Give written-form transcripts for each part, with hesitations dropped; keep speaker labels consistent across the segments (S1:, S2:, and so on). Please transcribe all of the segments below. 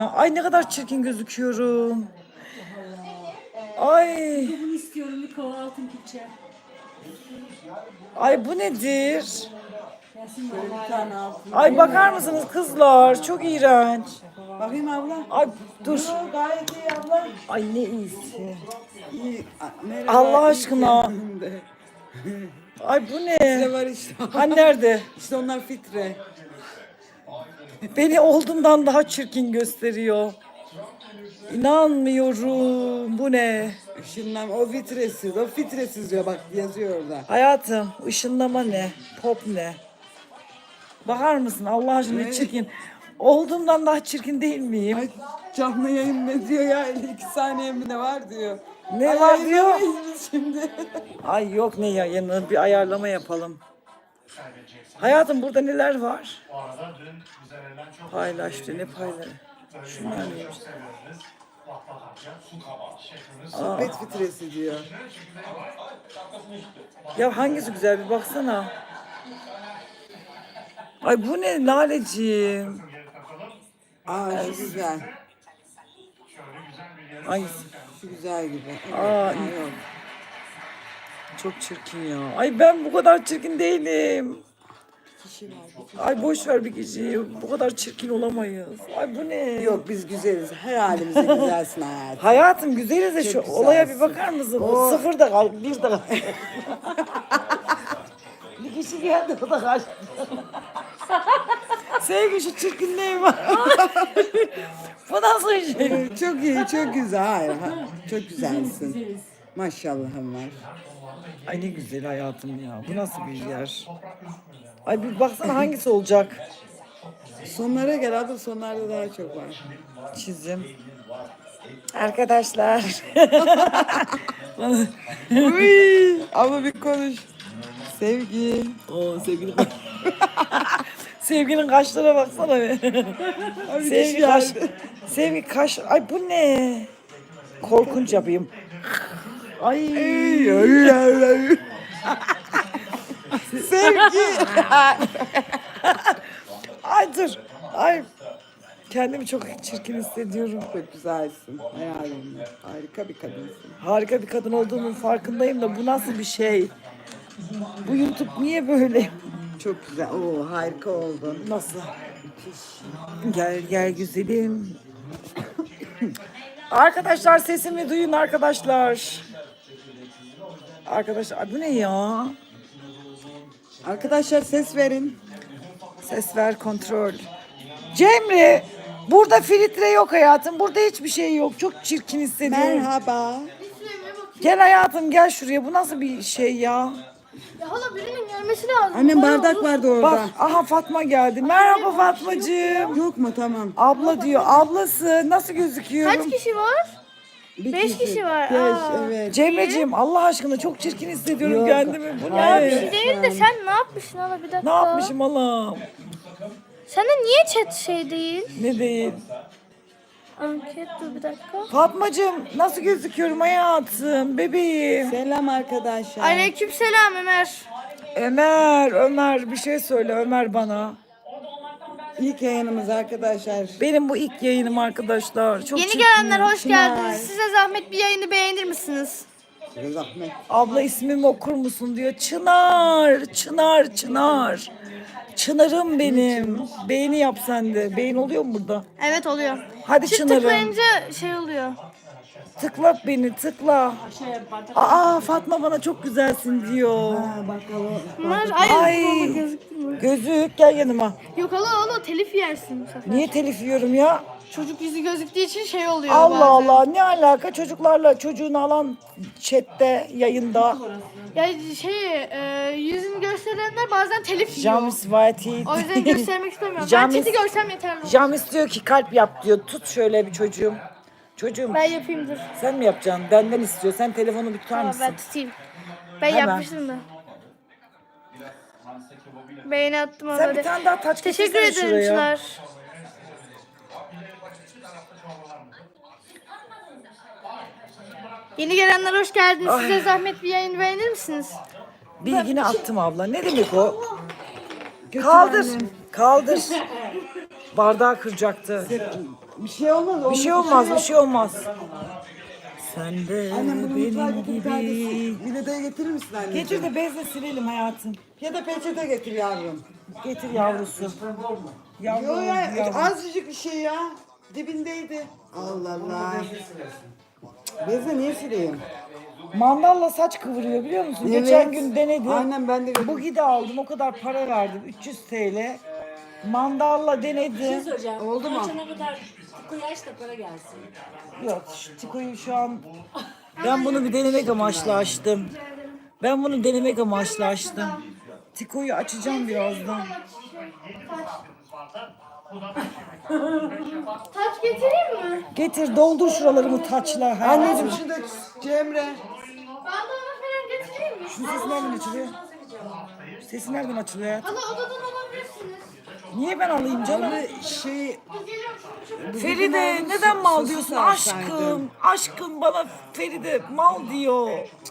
S1: Ay ne kadar çirkin gözüküyorum. Ay.
S2: Bunu istiyorum, bir kova altın külçe.
S1: Ay bu nedir?
S2: Gelsin
S3: Böyle
S2: bana.
S3: bir tane altın.
S1: Ay bakar mısınız kızlar? Çok iğrenç.
S3: Bakayım abla.
S1: Ay dur.
S3: Yo, gayet iyi abla.
S1: Ay ne iyisi.
S3: İyi. Merhaba,
S1: Allah
S3: iyi
S1: aşkına.
S3: kendinde.
S1: Ay bu
S3: Ne
S1: ne?
S3: var işte.
S1: Ha nerede?
S3: İşte onlar fitre.
S1: Beni olduğumdan daha çirkin gösteriyor. İnanmıyorum. Bu ne?
S3: Işınlam o fitresiz. O fitresiz diyor bak yazıyor orada.
S1: Hayatım ışınlama ne? Pop ne? Bakar mısın Allah aşkına
S3: Ne?
S1: çirkin. Olduğumdan daha çirkin değil miyim?
S3: Ay canlı yayın ne diyor ya? 2 saniye mi ne var diyor.
S1: Ne
S3: Ay,
S1: var diyor?
S3: yayınlamayız biz şimdi.
S1: Ay yok ne yayını bir ayarlama yapalım. Hayatım burada neler var? Paylaş diyor ne paylaş? Şunlar neymiş?
S3: Sohbet fitresi diyor.
S1: Ya hangisi güzel bir baksana. Ay bu ne Laleciğim?
S3: Aa şu güzel.
S1: Hangisi?
S3: Şu güzel gibi. Evet,
S1: Aa,
S3: ha, yok.
S1: Çok çirkin ya. Ay ben bu kadar çirkin değilim.
S3: Kişi var.
S1: Ay boş ver bir kişiyi. Bu kadar çirkin olamayız. Ay bu ne?
S3: Yok biz güzeliz. Her halimizde güzelsin hayatım.
S1: Hayatım güzeliz de şu
S3: Çok
S1: olaya bir
S3: güzelsin.
S1: bakar mısın?
S3: O-
S1: Sıfır da kal, bir de kal. Bir kişi geldi o da kaçtı. Sevgi şu çirkinliğim var. Bu nasıl şey?
S3: Çok iyi, çok güzel. Hayır, çok güzelsin. Maşallahım var.
S1: Ay ne güzel hayatım ya. Bu nasıl bir yer? Ay bir baksana hangisi olacak?
S3: Sonlara gel abla, sonlarda daha çok var.
S1: Çizim. Arkadaşlar.
S3: Uy, ama bir konuş. Sevgi.
S1: Oo sevgili Sevginin kaşlara baksana be.
S3: Abi
S1: Sevgi kaş. Sevgi kaş. Ay bu ne? Korkunç yapayım. Ay.
S3: Sevgi.
S1: Ay dur. Ay. Kendimi çok çirkin hissediyorum.
S3: Çok güzelsin. Hayalimle. Harika bir kadınsın.
S1: Harika bir kadın olduğumun farkındayım da bu nasıl bir şey? Bu YouTube niye böyle?
S3: Çok güzel. Oo, harika oldun.
S1: Nasıl? Gel gel güzelim. Arkadaşlar sesimi duyun arkadaşlar. Arkadaşlar ay bu ne ya?
S3: Arkadaşlar ses verin.
S1: Ses ver kontrol. Cemre burada filtre yok hayatım. Burada hiçbir şey yok. Çok çirkin hissediyorum.
S3: Merhaba.
S1: Gel hayatım gel şuraya. Bu nasıl bir şey ya?
S4: Ya hala birinin gelmesi lazım.
S3: Annem
S4: Bana
S3: bardak
S4: olur.
S3: vardı orada.
S1: Bak aha Fatma geldi. Merhaba Fatmacığım.
S3: Yok mu? Tamam.
S1: Abla diyor. Ablası nasıl gözüküyorum?
S4: Kaç kişi var?
S3: Bir
S4: 5 kişi var.
S3: Beş,
S4: Aa.
S3: evet.
S1: Cemreciğim Allah aşkına çok çirkin hissediyorum
S3: Yok.
S1: kendimi. Bu
S4: Ya bir
S1: ne?
S4: şey değil de sen ne yapmışsın hala bir dakika.
S1: Ne yapmışım Allah'ım?
S4: Sende niye chat şey değil?
S1: Ne değil?
S4: Anket dur bir dakika.
S1: Fatmacığım nasıl gözüküyorum hayatım? Bebeğim.
S3: Selam arkadaşlar.
S4: Aleykümselam Ömer.
S1: Ömer bir şey söyle Ömer bana.
S3: İlk yayınımız arkadaşlar.
S1: Benim bu ilk yayınım arkadaşlar. Çok
S4: Yeni
S1: çirkin.
S4: gelenler hoş
S3: Çınar.
S4: geldiniz. Size zahmet bir yayını beğenir misiniz?
S3: Zahmet.
S1: Abla ismimi okur musun diyor. Çınar. Çınarım benim. Beğeni yap sen de. Beğen oluyor mu burada?
S4: Evet oluyor.
S1: Hadi
S4: Çift
S1: Çınarım.
S4: tıklayınca şey oluyor.
S1: Tıkla beni tıkla. Aa Fatma bana çok güzelsin diyor.
S3: Bakalım.
S4: Bunlar ay,
S1: Ay.
S4: baba gözüktü mü?
S1: Gözük gel yanıma.
S4: Yok hala telif yersin bu sefer.
S1: Niye telif yiyorum ya?
S4: Çocuk yüzü gözüktüğü için şey oluyor
S1: Allah
S4: bazen.
S1: Allah ne alaka çocuklarla çocuğunu alan chatte yayında.
S4: Ya yüzünü gösterenler bazen telif yiyor.
S1: Jamis Vati.
S4: O yüzden göstermek istemiyorum.
S1: Jamis-
S4: Ben chat'i görsem yeterli.
S1: Jamis diyor ki kalp yap diyor. Tut şöyle bir çocuğum. Çocuğum
S4: Ben yapayım dur.
S1: sen mi yapacaksın? Benden istiyor. Sen telefonu bir tutar
S4: Tamam
S1: mısın?
S4: ben tutayım. Ben
S1: Hemen.
S4: yapmıştım da. Beğeni attım
S1: Sen
S4: haberi.
S1: bir tane daha taç
S4: Teşekkür
S1: getirsene
S4: ederim
S1: şuraya.
S4: Çınar. Yeni gelenler hoş geldiniz. Size zahmet bir yayın beğenir misiniz?
S1: Bilgini attım abla. Ne demek o? Kaldır. Kaldır. Bardağı kıracaktı.
S3: Bir şey olmaz.
S1: Bir şey olmaz, bir şey olmaz. Sen de
S3: Annem bunu mutfağa
S1: benim
S3: getir bir tanesi.
S1: gibi.
S3: Mine'de getirir misin anneciğim?
S1: Getir de bezle silelim hayatım.
S3: Ya da peçete getir yavrum.
S1: Getir yavrusu. Yavrum,
S3: Yo ya
S1: yavrum.
S3: azıcık bir şey ya. Dibindeydi. Allah Allah. Bezle niye sileyim?
S1: Mandalla saç kıvırıyor biliyor musun?
S3: Evet.
S1: Geçen gün denedim.
S3: Aynen ben de
S1: Bu gide aldım, o kadar para verdim. 300 TL. Mandalla denedim.
S2: Hocam.
S3: Oldu mu?
S2: Açana kadar tikoyu aç da para gelsin.
S1: Yok, şu Tiko'yu şu an... Ben bunu bir denemek amaçlı açtım. Ben bunu denemek amaçlı açtım. Tiko'yu açacağım birazdan.
S4: Taç getireyim mi?
S1: Getir, doldur şuralarımı taçla.
S3: Anneciğim şu da Cemre.
S4: Bandana falan getireyim mi?
S1: Şu ses nereden açılıyor? Sesi nereden açılıyor hayatım?
S4: Hala odadan alabilirsiniz.
S1: Niye ben alayım canım?
S3: Şey
S1: Feride neden mal
S3: sosu
S1: diyorsun
S3: sarsaydın.
S1: aşkım? Aşkım bana Feride mal diyor.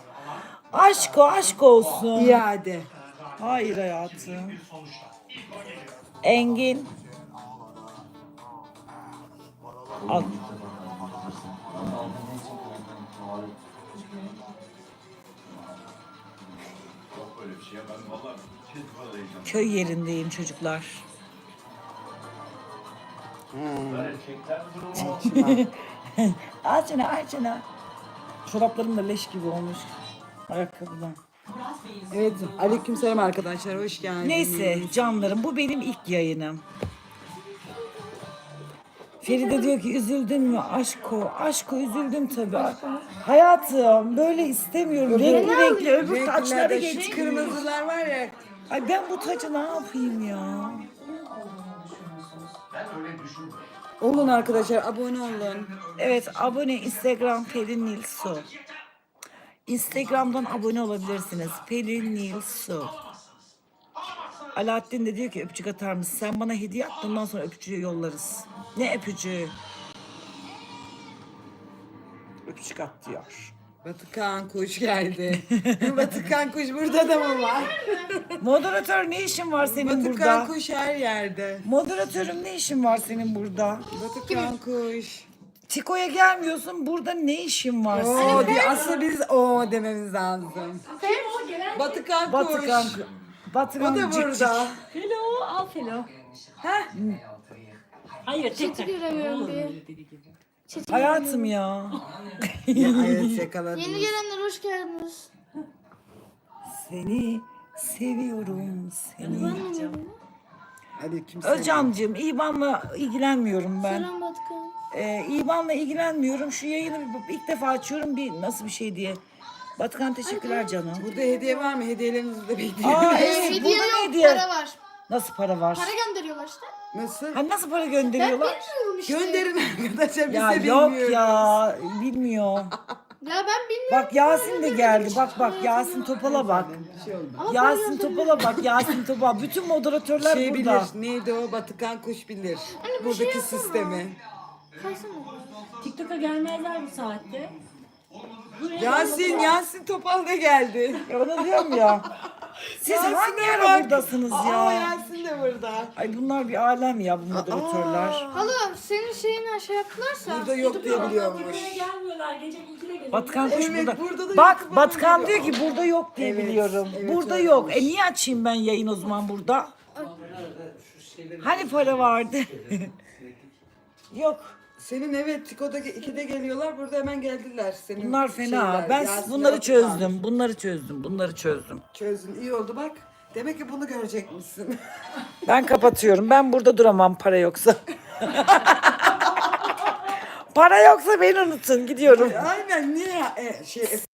S1: Aşk olsun.
S3: iade.
S1: Hayır hayatım. Engin. Al. Köy yerindeyim çocuklar. Açına. Çoraplarım da leş gibi olmuş. Ayakkabıdan.
S3: Evet, aleykümselam arkadaşlar, hoş geldiniz.
S1: Neyse canlarım, bu benim ilk yayınım. Feride diyor ki üzüldün mü aşko üzüldüm tabii. Hayatım böyle istemiyorum. Renkli öbür taçları
S3: Renklerde şu
S1: geç.
S3: kırmızılar var ya.
S1: Ay ben bu tacı ne yapayım ya?
S3: Olun arkadaşlar, abone olun.
S1: Evet abone Instagram Pelin Nilsu. Instagram'dan abone olabilirsiniz. Pelin Nilsu. Alaaddin de diyor ki öpücük atar mısın? Sen bana hediye at bundan sonra öpücüğü yollarız. Ne öpücüğü? Öpücük at diyor.
S3: Batıkan kuş geldi. Batıkan kuş burada da mı var?
S1: Moderatör ne işin var senin
S3: Batıkan
S1: burada?
S3: kuş her yerde.
S1: Moderatörüm ne işin var senin burada?
S3: Batıkan kuş.
S1: Tiko'ya gelmiyorsun. Burada ne işin var senin?
S3: Oo diyor. Aslında biz o dememiz lazım. Batıkan kuş.
S1: Batıkan. Batıkan
S3: O da
S1: cik
S3: burada.
S2: Felo al felo.
S3: Heh.
S2: Hayır tekrar.
S4: Göremiyorum bir.
S1: cik. Hayatım ya.
S3: Evet yakaladınız.
S4: Yeni gelenler hoş geldiniz.
S1: Seni seviyorum seni.
S3: Aleykümselam.
S1: Özcan'cığım İvan'la ilgilenmiyorum ben.
S4: Selam Batıkan.
S1: İvan'la ilgilenmiyorum. Şu yayını ilk defa açıyorum bir nasıl bir şey diye. Batıkan teşekkürler canım.
S3: Burada hediye var mı? Hediyelerinizi de bekliyorum.
S1: Aa evet
S4: Hediye
S1: burada
S4: yok,
S1: ne hediye?
S4: para var.
S1: Nasıl para var?
S4: Para gönderiyorlar işte.
S3: Nasıl?
S1: Hani nasıl para
S4: Ben
S1: gönderiyorlar?
S4: bilmiyorum işte.
S3: Gönderin arkadaşlar, biz
S1: Ya
S3: de
S1: yok
S3: bilmiyoruz.
S1: ya bilmiyor.
S4: Ya ben bilmiyorum.
S1: Bak Yasin de geldi. Bak Yasin Topal'a bak.
S3: Bir şey olmaz.
S1: Yasin Topal'a bak Yasin Topal. Bütün moderatörler
S3: Şey
S1: burada.
S3: bilir, neydi o? Batıkan kuş bilir.
S4: bir
S3: Buradaki
S4: şey yapsana.
S3: sistemi.
S4: Kaysana.
S2: TikTok'a gelmezler bu saatte.
S3: Yasin Topal da geldi.
S1: Ya onu diyorum ya. Siz
S3: Yasin
S1: hangi
S3: de
S1: ara
S3: bak.
S1: buradasınız
S3: Aa
S1: ya?
S3: Yasin de burada.
S1: Ay bunlar bir alem ya bu moderatörler.
S4: Hala senin şeyini şey yaptılarsa.
S3: Burada yok diye biliyormuş.
S2: Buraya gelmiyorlar. Gece 2'de geliyor.
S1: Batıkan kuş
S3: Evet,
S1: burada.
S3: burada da
S1: Bak
S3: YouTube'a
S1: Batıkan
S3: geliyor.
S1: diyor ki burada yok diye
S3: Evet,
S1: biliyorum.
S3: evet,
S1: Burada
S3: öyle
S1: yok.
S3: olmuş.
S1: Niye açayım ben yayın o zaman burada? Hani para vardı? Yok.
S3: Senin evet Tiko'da 2'de geliyorlar, burada hemen geldiler. Senin
S1: Bunlar fena.
S3: şeyler,
S1: Ben
S3: Yasin'le
S1: bunları
S3: Batıkan.
S1: çözdüm. Bunları çözdüm.
S3: Çözdün, iyi oldu bak. Demek ki bunu görecekmişsin.
S1: Ben kapatıyorum. Ben burada duramam para yoksa. Para yoksa beni unutun. Gidiyorum.
S3: Aynen niye?